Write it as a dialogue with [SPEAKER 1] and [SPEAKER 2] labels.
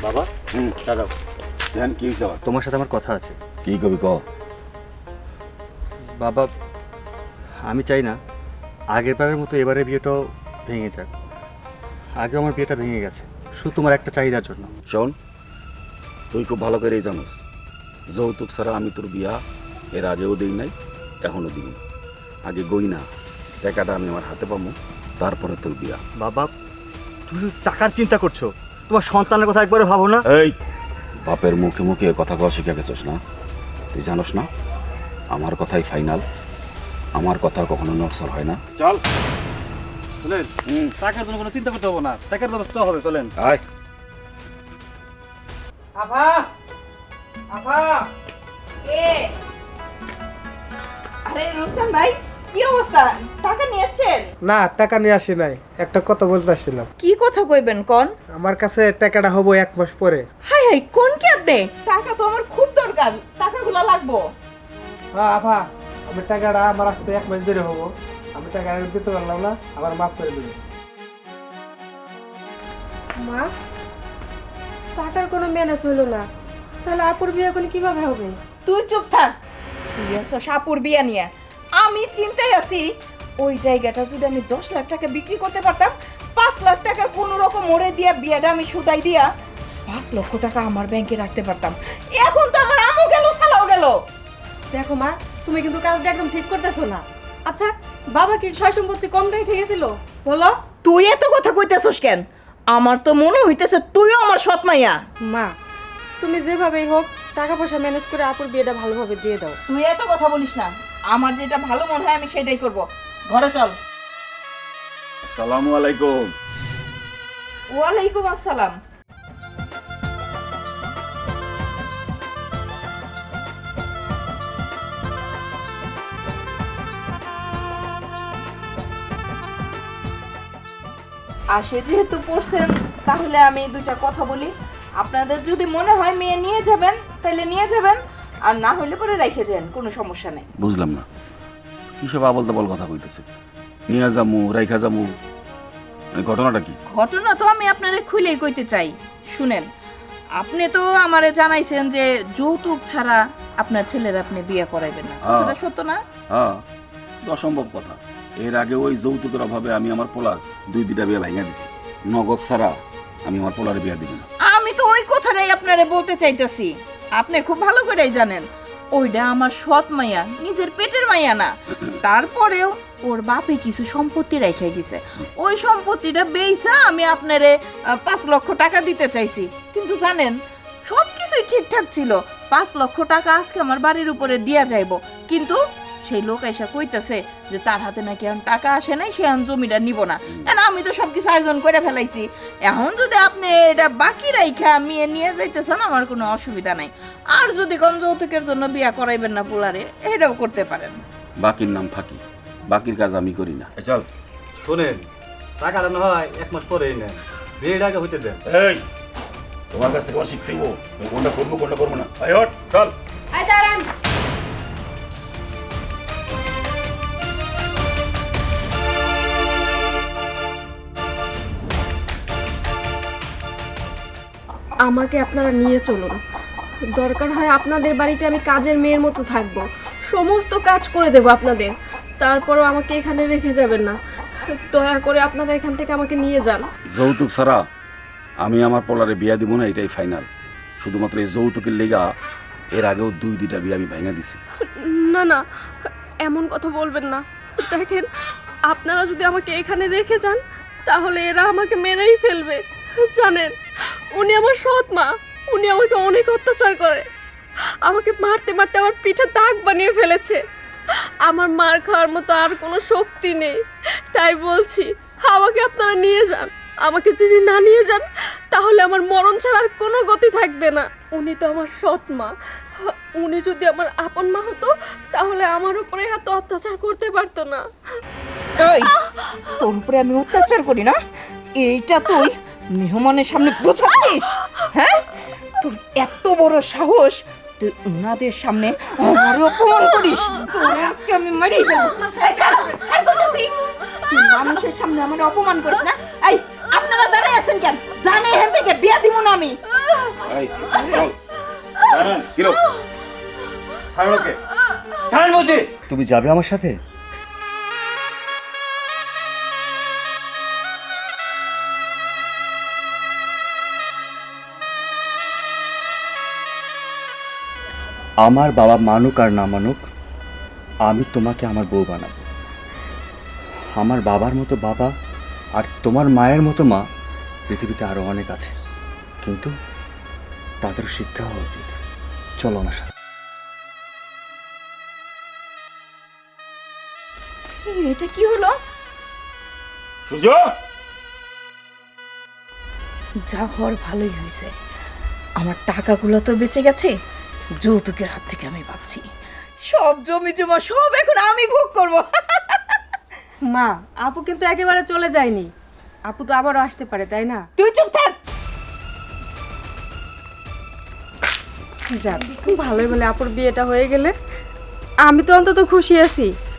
[SPEAKER 1] বাবা দাঁড়াও,
[SPEAKER 2] ধ্যান কি হয়েছে আবার?
[SPEAKER 1] তোমার সাথে আমার কথা আছে।
[SPEAKER 2] কি কবি ক?
[SPEAKER 1] বাবা, আমি চাই না আগের বারের মতো এবারের বিয়েটাও ভেঙে যাক। আগে আমার বিয়েটা ভেঙে গেছে শুধু তোমার একটা চাহিদার জন্য।
[SPEAKER 2] শোন, তুই খুব ভালো করেই জানোস যৌতুক ছাড়া আমি তোর বিয়া এর আগেও দিই নাই, এখনো দিই না। আগে গই না, টাকাটা আমি আমার হাতে পাবো, তারপরে তোর বিয়া।
[SPEAKER 1] বাবা, তুমি শুধু টাকার চিন্তা করছো, তোমার সন্তানের কথা একবারে ভাবো না।
[SPEAKER 2] এই বাপের মুখে মুখে কথা কওয়া শিখে গেছিস না? তুই জানোস না আমার কথাই ফাইনাল, আমার কথার কখনো নড়সড় হয় না।
[SPEAKER 3] চল চলেন, টাকার জন্য কোনো চিন্তা করতে হবে না, টাকার ব্যবস্থা হবে, চলেন।
[SPEAKER 2] আয়
[SPEAKER 4] আভা আভা
[SPEAKER 5] এ আরে রুমসান ভাই, কি অবস্থা? টাকা নিয়ে আসছেন?
[SPEAKER 4] না, টাকা নিয়ে আসি নাই, একটা কথা বলতে আসছিলাম।
[SPEAKER 5] কি কথা কইবেন কোন?
[SPEAKER 4] আমার কাছে টাকাটা হবো 1 মাস পরে।
[SPEAKER 5] হাই হাই, কোন কি আপনি? টাকা তো আমার খুব দরকার, টাকাগুলো লাগবো।
[SPEAKER 4] হ্যাঁ আভা, আমি টাকাটা আমার আসতে 1 মাস দেরি হবো, আমি টাকাটা দিতে পারলাম না, আমার মাফ করে দিবি।
[SPEAKER 6] মা, টাকার কোনো ম্যানেজ হলো না, তাহলে আপুর বিয়ে এখন কিভাবে হবে?
[SPEAKER 5] তুই চুপ থাক। তুই আছো সাপুর বিয়া নিয়ে, আমি চিন্তায় আছি। ওই জায়গাটা যদি আমি 10 লাখ টাকা বিক্রি করতে পারতাম, 5 লাখ টাকা কোনো রকম ওরে দিয়া বিয়াটা আমি সুদাই দিয়া 5 লক্ষ টাকা আমার ব্যাংকে রাখতে পারতাম। এখন তো আমার আমও গেল, সালাও গেল।
[SPEAKER 6] দেখো মা, তুমি কিন্তু কাজটা একদম ঠিক করতেছো না। আচ্ছা, বাবা কি সয় সম্পত্তি কম রেখে গেছিল বলো?
[SPEAKER 5] তুই এত কথা কইতেছস কেন? আমার তো মনে হইতেছে তুইও আমার সৎ মাইয়া।
[SPEAKER 6] মা, তুমি যেভাবেই হোক টাকা পয়সা ম্যানেজ করে আপুর বিয়েটা ভালোভাবে দিয়ে দাও।
[SPEAKER 5] তুই এত কথা বলিস না, আমার যেটা ভালো মনে হয় আমি সেটাই করব। ঘরে চল।
[SPEAKER 2] আসসালামু আলাইকুম।
[SPEAKER 5] ওয়ালাইকুম আসসালাম। আসে যেহেতু পড়ছেন, তাহলে আমি দুটা কথা বলি। আপনাদের যদি মনে হয় মেয়ে নিয়ে যাবেন তাহলে নিয়ে যাবেন, আর না হলে পরে রেখে যান, কোনো সমস্যা নেই।
[SPEAKER 2] বুঝলাম না কিসব আবল তাবল কথা কইতেছে। নিয়ে যামু রাইখা যামু, এই ঘটনাটা কি?
[SPEAKER 5] ঘটনা তো আমি আপনারে খুলেই কইতে চাই, শুনেন। আপনি তো আমারে জানাইছেন যে যৌতুক ছাড়া আপনার ছেলের আপনি বিয়ে করাইবেন না, কথাটা সত্য না?
[SPEAKER 2] হ্যাঁ, অসম্ভব কথা। এর আগে ওই যৌতুকের অভাবে আমি আমার পোলার 2টা বিয়ে ভেঙে দিছি। নগদ ছাড়া আমি আমার পোলার বিয়ে দিব না।
[SPEAKER 5] আমি তো ওই কথাটাই আপনারে বলতে চাইতেছি। আপনি খুব ভালো করেই জানেন ওইটা আমার সৎ মাইয়া, নিজের পেটের মাইয়া না। তারপরেও ওর বাপে কিছু সম্পত্তি রেখে গেছে, ওই সম্পত্তিটা বেইসা আমি আপনারে 5 লক্ষ টাকা দিতে চাইছি। কিন্তু জানেন সব কিছুই ঠিকঠাক ছিল, 5 লক্ষ টাকা আজকে আমার বাড়ির উপরে দিয়া যাইব, কিন্তু সেই লোক এসে কইতেছে যে তার হাতে নাকি এখন টাকা আসে নাই, সে এখন জমিটা নিব না। আমি তো সবকিছু আয়োজন করে ফেলাইছি। এখন যদি আপনি এটা বাকি রাইখা মেয়ে নিয়ে যাইতেছেন, আমার কোনো অসুবিধা নাই। আর যদি কোন যৌতুকের জন্য বিয়া করাইবেন না পোলারে, এটাও করতে পারেন।
[SPEAKER 2] বাকির নাম ফাঁকি, বাকির কাজ আমি করি না। চল।
[SPEAKER 3] শোনেন, টাকা না হয় 1 মাস পরেই নেন, বিয়ের আগে হইতে দেন।
[SPEAKER 2] এই তোমার কাছ থেকে আমার শিখতে হইব, আমি কোনটা করবো কোনটা করবো না। এই হট, চল।
[SPEAKER 6] আয় দাঁড়ান। আমাকে আপনারা নিয়ে চলুন, দরকার হয় আপনাদের বাড়িতে আমি কাজের মেয়ের মতো থাকবো, সমস্ত কাজ করে দেব আপনাদের, তারপরও আমাকে এখানে রেখে যাবেন না। দয়া করে আপনারা এখান থেকে আমাকে নিয়ে যান।
[SPEAKER 2] যৌতুক ছাড়া আমি আমার পোলারে বিয়া দিব না, এটাই ফাইনাল। শুধুমাত্র এই যৌতুকের লেগা এর আগেও 2টা বিয়ে আমি ভেঙে দিছি।
[SPEAKER 6] না না, এমন কথা বলবেন না। দেখেন, আপনারা যদি আমাকে এখানে রেখে যান তাহলে এরা আমাকে মেরেই ফেলবে। জানেন, উনি আমার সৎ মা, উনি আমাকে অনেক অত্যাচার করে, আমাকে মারতে মারতে আমার পিঠে দাগ বানিয়ে ফেলেছে। আমার মার খাওয়ার মতো আর কোনো শক্তি নেই, তাই বলছি আমাকে আপনারা নিয়ে যান। আমাকে যদি না নিয়ে যান তাহলে আমার মরণ ছাড়া আর কোনো গতি থাকবে না। উনি তো আমার সৎ মা, উনি যদি আমার আপন মা হতো তাহলে আমার উপরে এত অত্যাচার করতে পারতো না।
[SPEAKER 5] এই, তোর উপরে আমি অত্যাচার করি না, এইটা তুই মেহমানের সামনে বোঝাচ্ছিস? হ্যাঁ, তোর এত বড় সাহস, তুই ওনাদের সামনে আমার অপমান করিস? তোর আজকে আমি মারিয়ে ফেলবো। এই, ছাড়, ছাড় করতেছি। তুই মানুষের সামনে আমার অপমান করিস না। এই, আপনারা দাঁড়ায় আছেন কেন? জানে এখান থেকে বিয়া দিব না আমি।
[SPEAKER 2] এই, চল কিরো
[SPEAKER 1] ছাড়ো ওকে, ছাড় বলছি। তুমি যাবে আমার সাথে? আমার বাবা মানুক আর না মানুক, আমি তোমাকে আমার বউ বানাবো। আমার বাবার মতো বাবা আর তোমার মায়ের মতো মা পৃথিবীতে আরো অনেক আছে, কিন্তু তাদের শিক্ষা হওয়া উচিত। চলো আমার সাথে।
[SPEAKER 5] এটা কি হলো?
[SPEAKER 2] সূর্য,
[SPEAKER 5] যা হওয়ার ভালোই হয়েছে, আমার টাকাগুলো তো বেঁচে গেছে, যৌতুকের হাত থেকে আমি পাচ্ছি। সব জমি জমা সব এখন আমি ভোগ করব।
[SPEAKER 6] মা, আপু কিন্তু একেবারে চলে যায়নি। আপু তো আবারও আসতে পারে, তাই না?
[SPEAKER 5] তুই চুপ থাক।
[SPEAKER 6] যাক, ভালোই বলে আপুর বিয়েটা হয়ে গেলে আমি তো অন্তত খুশি আছি।